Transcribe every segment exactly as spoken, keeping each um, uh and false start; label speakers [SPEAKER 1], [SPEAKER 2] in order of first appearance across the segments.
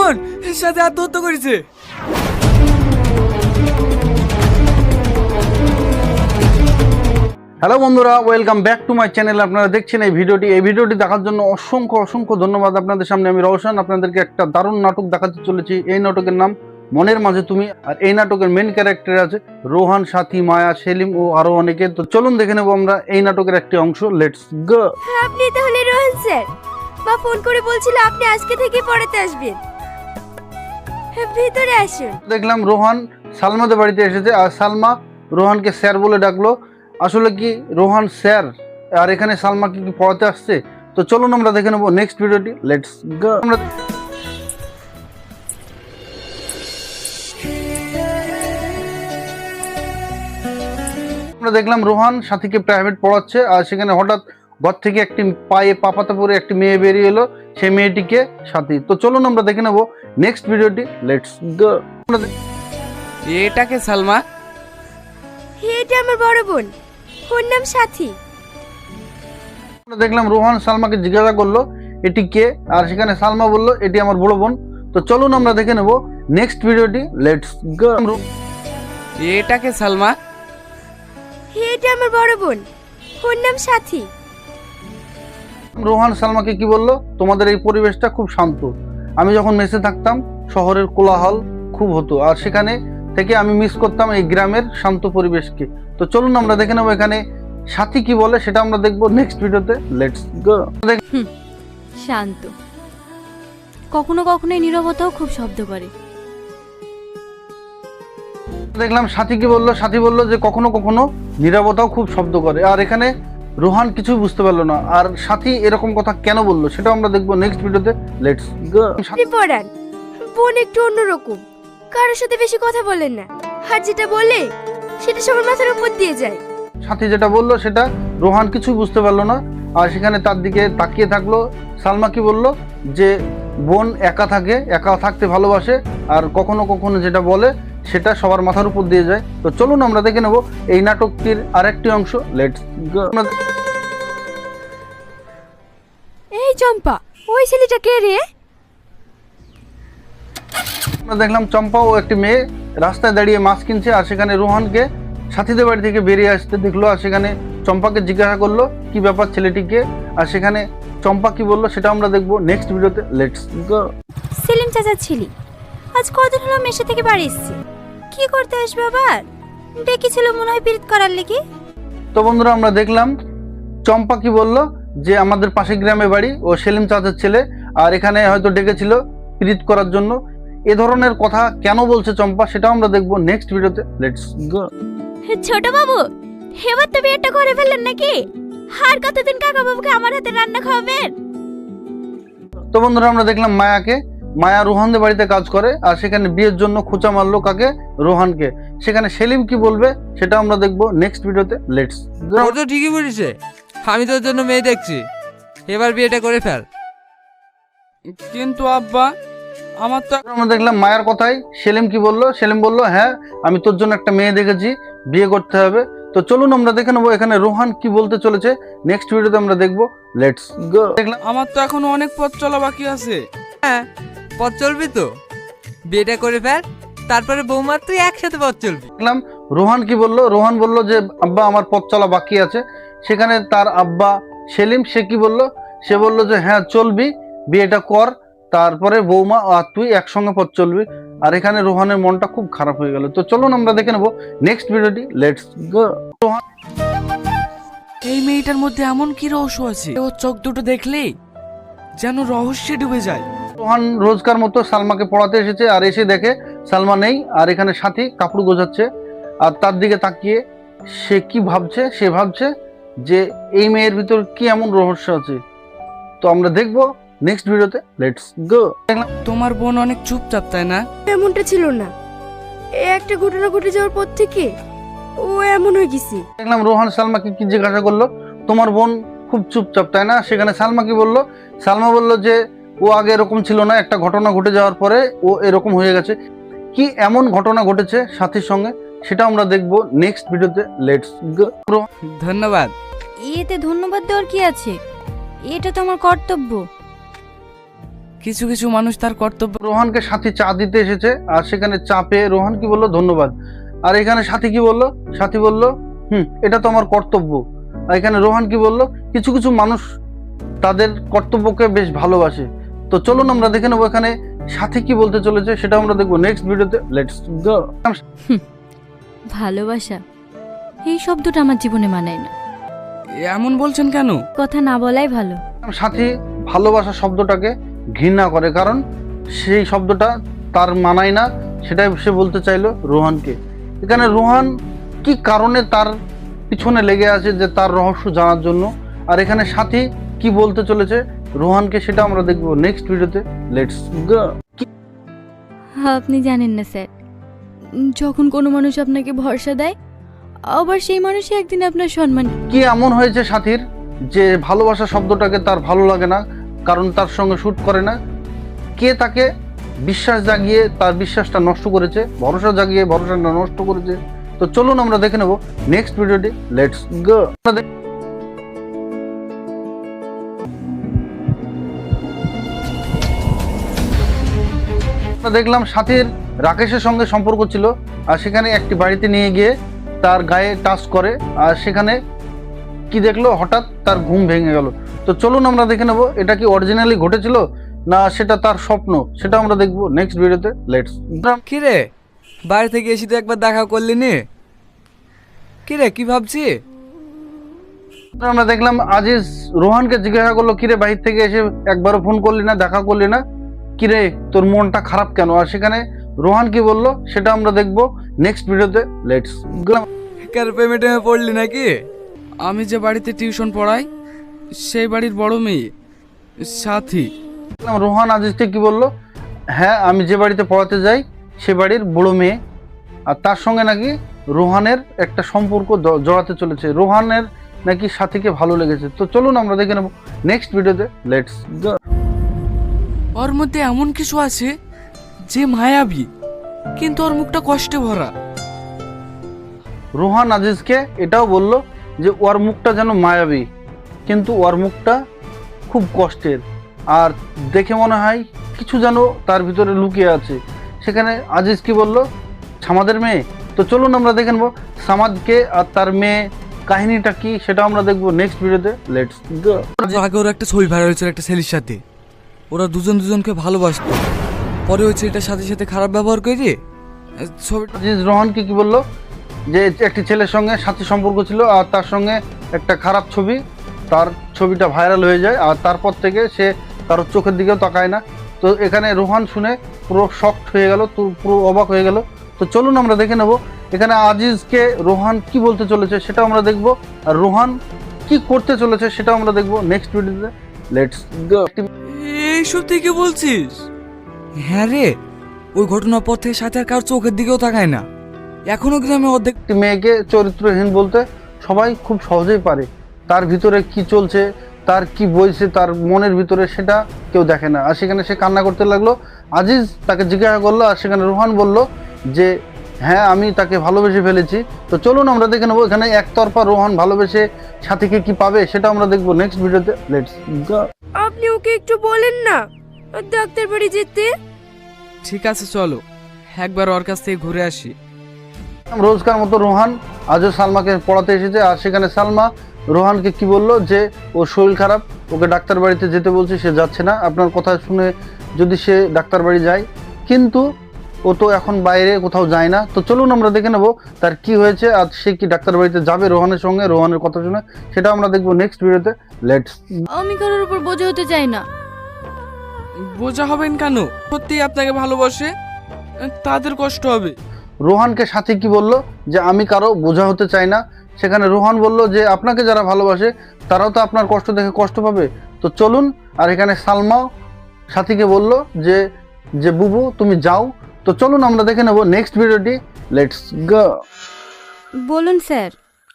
[SPEAKER 1] বোন সাথে আত্মহত্যা করেছে।
[SPEAKER 2] হ্যালো বন্ধুরা, welcome back to my channel. আপনারা দেখছেন এই ভিডিওটি। এই ভিডিওটি দেখার জন্য অসংখ্য অসংখ্য ধন্যবাদ আপনাদের সামনে। আমি রওশন আপনাদেরকে একটা দারুণ নাটক দেখাতে চলেছি। এই নাটকের নাম মনের মাঝে তুমি। আর এই নাটকের মেন ক্যারেক্টার আছে রোহান, সাথী, মায়া, সেলিম ও আরো অনেকে। তো চলুন দেখে নেবো আমরা এই নাটকের একটি অংশ। Let's go.
[SPEAKER 3] আপনি তাহলে রোহন স্যার? বা ফোন করে বলছিল আপনি আজকে থেকে পড়াতে আসবেন। ভিতরে আসুন।
[SPEAKER 2] দেখলাম রোহান সালমাদের বাড়িতে এসেছে আর সালমা রোহানকে স্যার বলে ডাকলো। আসলে কি রোহান স্যার আর এখানে সালমাকে কি পড়াতে আসছে? তো চলুন আমরা দেখে নেবো নেক্সট ভিডিওটি। Let's go. আমরা আমরা দেখলাম রোহান সাথীকে প্রাইভেট পড়াচ্ছে আর সেখানে হঠাৎ ঘর থেকে একটি পায়ে পাপাতা পরে একটি মেয়ে বেরিয়ে এলো। সেই মেয়েটিকে সাথী। তো চলুন আমরা দেখে নেবো নেক্সট ভিডিওটি। Let's go.
[SPEAKER 1] এটাকে সালমা?
[SPEAKER 3] এটা আমার বড় বোন, ওর নাম সাথী।
[SPEAKER 2] আমরা দেখলাম রোহান সালমাকে জিজ্ঞাসা করলো এটি কে, আর সেখানে সালমা বলল এটি আমার বড় বোন। তো চলুন আমরা দেখে নেবো নেক্সট ভিডিওটি। Let's go.
[SPEAKER 1] এটাকে সালমা?
[SPEAKER 3] এটা আমার বড় বোন, ওর নাম সাথী।
[SPEAKER 2] রোহান সালমাকে কি বলল, তোমাদের এই পরিবেশটা খুব শান্ত। আমি যখন মেসে থাকতাম শহরের কোলাহল খুব হতো, আর সেখানে থেকে আমি মিস করতাম এই গ্রামের শান্ত পরিবেশকে। তো চলুন আমরা দেখে নেবো এখানে সাথী কি বলে, সেটা আমরা দেখবো নেক্সট ভিডিওতে। লেটস গো।
[SPEAKER 4] শান্ত, কখনো কখনো এই নীরবতাও খুব শব্দ করে।
[SPEAKER 2] দেখলাম সাথী কি বললো, সাথী বললো যে কখনো কখনো নীরবতাও খুব শব্দ করে। আর এখানে রোহান কিছুই বুঝতে পারলো না, আর সাথী এরকম কথা কেন বললো সেটা আমরা দেখবো নেক্সট ভিডিওতে। Let's go.
[SPEAKER 3] আপনি পড়ান, বোন একটু অন্যরকম, কারোর সাথে বেশি কথা বলেন না, আর যেটা বলে সেটা সবার মাথার উপর দিয়ে যায়।
[SPEAKER 2] সাথী যেটা বললো সেটা রোহান কিছুই বুঝতে পারলো না, আর সেখানে তার দিকে তাকিয়ে থাকলো। সালমা কি বললো যে বোন একা থাকে, একা থাকতে ভালোবাসে, আর কখনো কখনো যেটা বলে সেটা সবার মাথার উপর দিয়ে যায়। তো চলুন আমরা দেখে নেবো এই নাটকটির আরেকটি অংশ। Let's go.
[SPEAKER 3] এই চম্পা, ওই ছেলেটা কে রে?
[SPEAKER 2] আমরা দেখলাম চম্পা ও একটি মেয়ে রাস্তায় দাঁড়িয়ে মাছ কিনছে, আর সেখানে রোহানকে সাথীদের বাড়ি থেকে বেরিয়ে আসতে দেখলো। আর সেখানে চম্পাকে জিজ্ঞাসা করলো কি ব্যাপার ছেলেটিকে, আর সেখানে চম্পা কি বললো সেটা আমরা দেখবো নেক্সট ভিডিওতে। লেটস গো।
[SPEAKER 3] সেলিম চাচার ছেলে আজ কদিন হলো মেশে থেকে বাড়ি এসছে, কি করতে আসবে আবার? ডেকেছিল মনে হয় পিরিত করার লেগে।
[SPEAKER 2] তো বন্ধুরা আমরা দেখলাম চম্পা কি বললো যে আমাদের পাশের গ্রামে বাড়ি, ও সেলিম চাচার ছেলে, আর এখানে হয়তো ডেকেছিল প্রীত করার জন্য। এ ধরনের কথা কেন বলছে চম্পা সেটাও আমরা দেখবো নেক্সট ভিডিওতে। Let's go.
[SPEAKER 3] ছোট বাবু, এবার তো বিয়েটা করে ফেললেন নাকি? আর কতদিন কাকা বাবুকে আমার হাতে রান্না খাওয়াবেন?
[SPEAKER 2] তো বন্ধুরা আমরা দেখলাম মায়াকে, মায়া রোহানদের বাড়িতে কাজ করে, আর সেখানে বিয়ের জন্য খোঁচা মারলো কাকে, রোহানকে। সেখানে সেলিম কি বলবে সেটা আমরা দেখবো নেক্সট ভিডিওতে। লেটস গো।
[SPEAKER 1] ও তো ঠিকই বলেছে, আমি তোর জন্য মেয়ে দেখছি, এবার বিয়েটা করে ফেল। কিন্তু আব্বা, আমার তো
[SPEAKER 2] আমরা দেখলাম মায়ের কথাই সেলিম কি বললো, সেলিম বললো হ্যাঁ আমি তোর জন্য একটা মেয়ে দেখেছি, বিয়ে করতে হবে। তো চলুন আমরা দেখে নেবো এখানে রোহান কি বলতে চলেছে নেক্সট ভিডিওতে আমরা দেখবো। Let's go. দেখলাম
[SPEAKER 1] আমার তো এখনো অনেক পথ চলা বাকি আছে। হ্যাঁ, পথ চলবি তো, বিয়েটা করে ফেল, তারপরে বৌমার তুই একসাথে পথ চলবি।
[SPEAKER 2] দেখলাম রোহান কি বললো, রোহান বললো যে আব্বা আমার পথ চলা বাকি আছে। সেখানে তার আব্বা সেলিম সে কি বললো, সে বললো যে হ্যাঁ চলবি, বিয়েটা কর, তারপরে বৌমা আর তুই একসঙ্গে পথ চলবি। আর এখানে রোহানের মনটা খুব খারাপ হয়ে গেল। তো চলুন আমরা দেখে নেবো নেক্সট ভিডিওটি। Let's go.
[SPEAKER 1] এই মেয়েটার মধ্যে এমন কি রহস্য আছে, ও চোখ দুটো দেখলেই যেন রহস্যে ডুবে যায়।
[SPEAKER 2] রোহান রোজকার মতো সালমাকে পড়াতে এসেছে, আর এসে দেখে সালমা নেই, আর এখানে সাথী কাপড় গোছাচ্ছে। আর তার দিকে তাকিয়ে সে কি ভাবছে, সে ভাবছে যে এই মেয়ের ভিতর কি এমন রহস্য আছে। তো আমরা দেখবো নেক্সট ভিডিওতে। Let's go.
[SPEAKER 1] তোমার বোন অনেক চুপচাপ, তাই না?
[SPEAKER 3] এমনটা ছিল না, এই একটা ঘটনা ঘটে যাওয়ার পর থেকে ও এমন হয়ে গেছে।
[SPEAKER 2] দেখলাম রোহান সালমাকে কি জিজ্ঞাসা করলো, তোমার বোন খুব চুপচাপ তাই না? সেখানে সালমা কি বললো, সালমা বললো যে ও আগে এরকম ছিল না, একটা ঘটনা ঘটে যাওয়ার পরে ও এরকম হয়ে গেছে। কি এমন ঘটনা ঘটেছে সাথীর সঙ্গে সেটা আমরা দেখবো নেক্সট ভিডিওতে। Let's go.
[SPEAKER 1] ধন্যবাদ।
[SPEAKER 4] এতে ধন্যবাদ দেওয়ার কি আছে, এটা তো আমার কর্তব্য।
[SPEAKER 1] কিছু কিছু মানুষ তার কর্তব্য।
[SPEAKER 2] রোহানকে সাথী চা দিতে এসেছে আর সেখানে চা পেয়ে রোহান কি বললো, ধন্যবাদ। আর এখানে সাথী কি বললো, সাথী বললো হুম এটা তো আমার কর্তব্য। আর এখানে রোহান কি বললো, কিছু কিছু মানুষ তাদের কর্তব্যকে বেশ ভালোবাসে। তো চলুন আমরা দেখে নেবো এখানে সাথী কি বলতে চলেছে, সেটা আমরা দেখবো নেক্সট ভিডিওতে। Let's go.
[SPEAKER 4] ভালোবাসা এই শব্দটা আমার জীবনে মানায় না।
[SPEAKER 1] এমন বলছেন কেন?
[SPEAKER 4] কথা না বলাই ভালো।
[SPEAKER 2] সাথী ভালোবাসা শব্দটাকে ঘৃণা করে, কারণ সেই শব্দটা তার মানায় না, সেটাই সে বলতে চাইলো রোহানকে। এখানে রোহান কি কারণে তার পিছনে লেগে আছে যে তার রহস্য জানার জন্য, আর এখানে সাথী কি বলতে চলেছে রোহানকে, সেটা আমরা দেখবো নেক্সট ভিডিওতে। Let's go.
[SPEAKER 4] আপনি জানেন না স্যার, যখন কোনো মানুষ আপনাকে ভরসা দেয়, আবার সেই মানুষই একদিন আপনার সম্মান।
[SPEAKER 2] কি এমন হয়েছে সাথীর যে ভালোবাসা শব্দটাকে তার ভালো লাগে না, কারণ তার সঙ্গে শুট করে না? কে তাকে বিশ্বাস জাগিয়ে তার বিশ্বাসটা নষ্ট করেছে, ভরসা জাগিয়ে ভরসাটা নষ্ট করেছে? তো চলুন আমরা দেখে নেব নেক্সট ভিডিওটি। Let's go. দেখলাম সাথীর রাকেশের সঙ্গে সম্পর্ক ছিল, আর সেখানে একটি বাড়িতে নিয়ে গিয়ে তার গায়ে টাচ করে, আর সেখানে কি দেখলো, হঠাৎ তার ঘুম ভেঙে গেল। তো চলুন আমরা দেখে নেব এটা কি অরিজিনালি ঘটেছিল না সেটা তার স্বপ্ন, সেটা আমরা দেখবো নেক্সট ভিডিওতে। লেটস।
[SPEAKER 1] কি রে, বাড়ি থেকে এসে তো একবার দেখা করলি নি? কি রে, কি ভাবছি?
[SPEAKER 2] আমরা দেখলাম আজিজ রোহানকে জিজ্ঞাসা করলো, কিরে বাহির থেকে এসে একবারও ফোন করলি না, দেখা করলি না, কিরে তোর মনটা খারাপ কেন? আর সেখানে রোহান কি বললো সেটা আমরা দেখবো নেক্সট ভিডিওতে। লেটস।
[SPEAKER 1] কার পেমেন্টে পড়লি নাকি? আমি যে বাড়িতে টিউশন পড়াই সেই বাড়ির বড় মেয়ে সাথী।
[SPEAKER 2] রোহান আজিজকে কি বললো, হ্যাঁ আমি যে বাড়িতে পড়াতে যাই সে বাড়ির বড় মেয়ে, আর তার সঙ্গে নাকি রোহানের একটা সম্পর্ক জড়াতে চলেছে, রোহানের নাকি সাথীকে ভালো লেগেছে। তো চলুন আমরা দেখে নেব নেক্সট ভিডিওতে। লেটস গো।
[SPEAKER 1] ওর মধ্যে এমন কিছু আছে যে মায়াবী, কিন্তু ওর মুখটা কষ্টে ভরা।
[SPEAKER 2] রোহান আজিজকে এটাও বলল যে ওর মুখটা যেন মায়াবী, কিন্তু ওর মুখটা খুব কষ্টের, আর দেখে মনে হয় কিছু যেন তার ভিতরে লুকিয়ে আছে। সেখানে আজিজ কি বলল, সামাদের মেয়ে। তো চলুন আমরা দেখে নেবো সামাদকে আর তার মেয়ে কাহিনীটা কি, সেটা আমরা দেখবো নেক্সট ভিডিওতে। Let's go.
[SPEAKER 1] আগে ওর একটা ছবি ভাইরাল হয়েছিল একটা ছেলের সাথে, ওরা দুজন দুজনকে ভালোবাসতো, পরে ওই ছেলেটার সাথে সাথে খারাপ ব্যবহার করে ছবি।
[SPEAKER 2] আজিজ রোহানকে কি বললো যে একটি ছেলের সঙ্গে সাথী সম্পর্ক ছিল, আর তার সঙ্গে একটা খারাপ ছবি, তার ছবিটা ভাইরাল হয়ে যায়, আর তারপর থেকে সে কারোর চোখের দিকেও তাকায় না। তো এখানে রোহান শুনে পুরো শকড হয়ে গেল, তো পুরো অবাক হয়ে গেল। তো চলুন আমরা দেখে নেব এখানে আজিজকে রোহান কি বলতে চলেছে, সেটা আমরা দেখব, আর রোহান কি করতে চলেছে সেটা আমরা দেখব নেক্সট ভিডিওতে। Let's go.
[SPEAKER 1] এইসব থেকে বলছিস? হ্যাঁ রে, ওই ঘটনার পর থেকে সাথে আর কারোর চোখের দিকেও তাকায় না, এখনো গ্রামে অর্ধেক।
[SPEAKER 2] একটি মেয়েকে চরিত্রহীন বলতে সবাই খুব সহজেই পারে, তার ভিতরে কি চলছে, তার কি বইছে তার মনের ভিতরে, সেটা কেউ দেখে না। আর সেখানে সে কান্না করতে লাগলো। আজিজ তাকে জিজ্ঞাসা করলো, আর সেখানে রোহান বলল যে হ্যাঁ আমি তাকে ভালোবেসে ফেলেছি। তো চলুন আমরা দেখে নেবো এখানে একতরফা রোহান ভালোবেসে সাথীকে কি পাবে, সেটা আমরা দেখবো নেক্সট ভিডিওতে। Let's go.
[SPEAKER 3] আপনি ওকে একটু বলেন না ডাক্তার বাড়ি যেতে।
[SPEAKER 1] ঠিক আছে চলো একবার ওর কাছ থেকে ঘুরে আসি।
[SPEAKER 2] রোজকার মতো রোহান আজও সালমাকে পড়াতে এসেছে, আর সেখানে সালমা রোহানকে কি বললো যে ওর শরীর খারাপ, ওকে ডাক্তার বাড়িতে যেতে বলছে, সে যাচ্ছে না। আপনার কথা শুনে যদি সে ডাক্তার বাড়ি যায়, কিন্তু ও তো এখন বাইরে কোথাও যায় না। তো চলুন আমরা দেখে নেবো তার কি হয়েছে, আর সে কি ডাক্তার বাড়িতে যাবে রোহানের সঙ্গে, রোহানের কথা শুনে, সেটা আমরা দেখবো নেক্সট ভিডিওতে। লেটস।
[SPEAKER 4] আমি কারোর উপর বোঝা হতে চাই না।
[SPEAKER 1] বোঝা হবেন কেন? সত্যি আপনাকে ভালোবাসে, তাদের কষ্ট হবে।
[SPEAKER 2] রোহানকে সাথী কি বললো যে আমি কারো বোঝা হতে চাই না। সেখানে রোহান বলল যে আপনাকে যারা ভালোবাসে তারাও তো আপনার কষ্ট দেখে কষ্ট পাবে। তো চলুন, আর এখানে সালমাও সাথীকে বলল যে যে বুবু তুমি যাও। তো চলুন আমরা দেখে নেব নেক্সট ভিডিওটি। Let's go.
[SPEAKER 4] বলুন স্যার।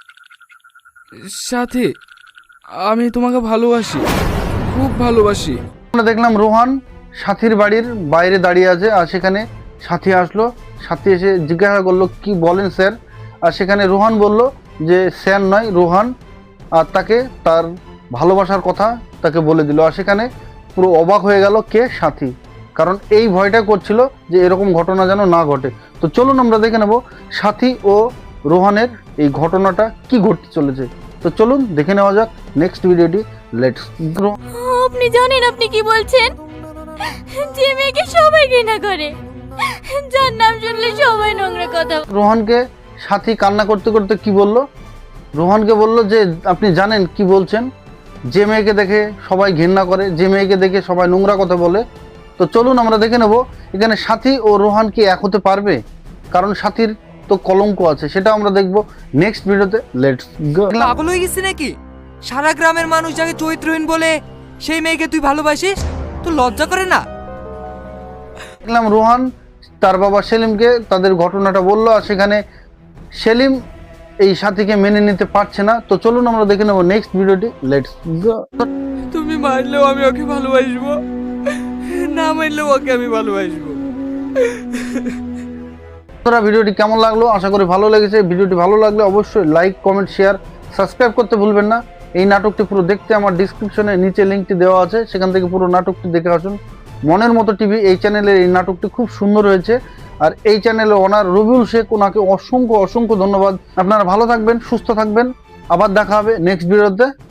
[SPEAKER 1] সাথী, আমি তোমাকে ভালোবাসি, খুব ভালোবাসি।
[SPEAKER 2] আমরা দেখলাম রোহান সাথীর বাড়ির বাইরে দাঁড়িয়ে আছে, আর সেখানে সাথী আসলো। সাথী এসে জিজ্ঞাসা করলো কি বলেন স্যার, আর সেখানে রোহান বলল যে স্যার নয় রোহান, আর তাকে তার ভালোবাসার কথা তাকে বলে দিল। আর সেখানে পুরো অবাক হয়ে গেল কে? সাথী। কারণ এই ভয়টা করছিল যে এরকম ঘটনা যেন না ঘটে। তো চলুন আমরা দেখে নেব সাথী ও রোহানের এই ঘটনাটা কি ঘটতে চলেছে। তো চলুন দেখে নেওয়া যাক নেক্সট ভিডিওটি। Let's go.
[SPEAKER 4] আপনি জানেন আপনি কি বলছেন? যে মেয়েকে সবাই ঘৃণা করে, যার নাম শুনলে সবাই নোংরা কথা।
[SPEAKER 2] রোহানকে সাথী কান্না করতে করতে কি বলল? রোহানকে বলল যে আপনি জানেন কি বলছেন, যে মেয়েকে দেখে সবাই ঘৃণা করে, যে মেয়েকে দেখে সবাই নোংরা কথা বলে। তো চলুন আমরা দেখে নেব এখানে সাথী ও রোহান কি এক হতে পারবে, কারণ সাথীর তো কলঙ্ক আছে, সেটা আমরা দেখব নেক্সট ভিডিওতে। Let's go.
[SPEAKER 1] পাগল হয়ে গেছিস নাকি? সারা গ্রামের মানুষ যাকে চরিত্রহীন বলে সেই মেয়েকে তুই ভালোবাসিস? তো লজ্জা করে না?
[SPEAKER 2] দেখলাম রোহান তার বাবা সেলিমকে তাদের ঘটনাটা বললো, আর সেখানে সেলিম এই সাথীকে মেনে নিতে পারছে না। তো চলুন আমরা দেখে নেব নেক্সট ভিডিওটি। Let's go.
[SPEAKER 1] তুমি মারলেও আমি ওকে ভালোবাসবো, না মারলেও ওকে আমি ভালোবাসবো।
[SPEAKER 2] বন্ধুরা, ভিডিওটি কেমন লাগলো? আশা করি ভালো লেগেছে। ভিডিওটি ভালো লাগলে অবশ্যই লাইক, কমেন্ট, শেয়ার, সাবস্ক্রাইব করতে ভুলবেন না। এই নাটকটি পুরো দেখতে আমার ডিসক্রিপশনে নিচে লিঙ্কটি দেওয়া আছে, সেখান থেকে পুরো নাটকটি দেখে আসুন। মনের মতো টিভি এই চ্যানেলের এই নাটকটি খুব সুন্দর হয়েছে, আর এই চ্যানেলে ওনার রবিউল শেখ, ওনাকে অসংখ্য অসংখ্য ধন্যবাদ। আপনারা ভালো থাকবেন, সুস্থ থাকবেন, আবার দেখা হবে নেক্সট ভিডিওতে।